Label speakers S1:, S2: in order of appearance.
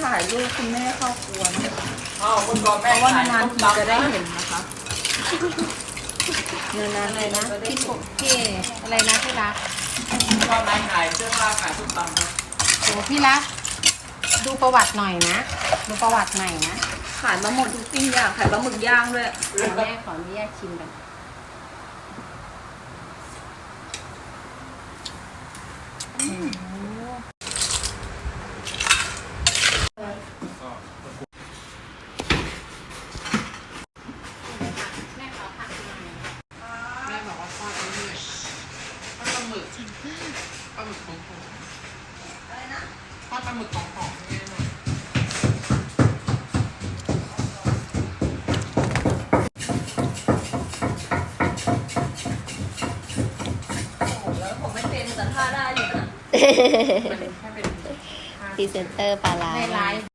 S1: ถ่ายรูปคุณแม่เข้าครัวเนี่ย
S2: อ้าวคุณก่อน
S1: เพ
S2: แม่
S1: ราะว่า
S2: ขาย
S1: นาน
S2: ส้ม
S1: ๆที
S2: ตำ
S1: จะได้เห็นนะคะนานๆทีจะได้
S3: พี่
S1: เห็น
S3: พี่อะไรนะพี่รัก
S2: ชอบไหมขายเสื้อผ้าขายส้มตำครับ
S3: โหพี่รักดูประวัติหน่อยนะ ดูประวัติหน่อยนะ
S1: ขายมาหมดทุกสิ่งอย่างขายปลาหมึกย่างด้วย
S3: แม่ขออนุญาตชิมกันแม่ขอผักหน่อย
S2: แม่บอกว่าทอดนี่ทอดปลาหมึกของผม
S1: อะไรนะ
S2: ทอดปลาหมึกของผมแม่หน่อย
S1: โอ้โหแล้วผมไม่เป็นแต่ท่าได้อยู่นะ
S2: มันแค่เป็น
S4: พรีเซนเตอร์ปลาร้า
S3: ในไลฟ์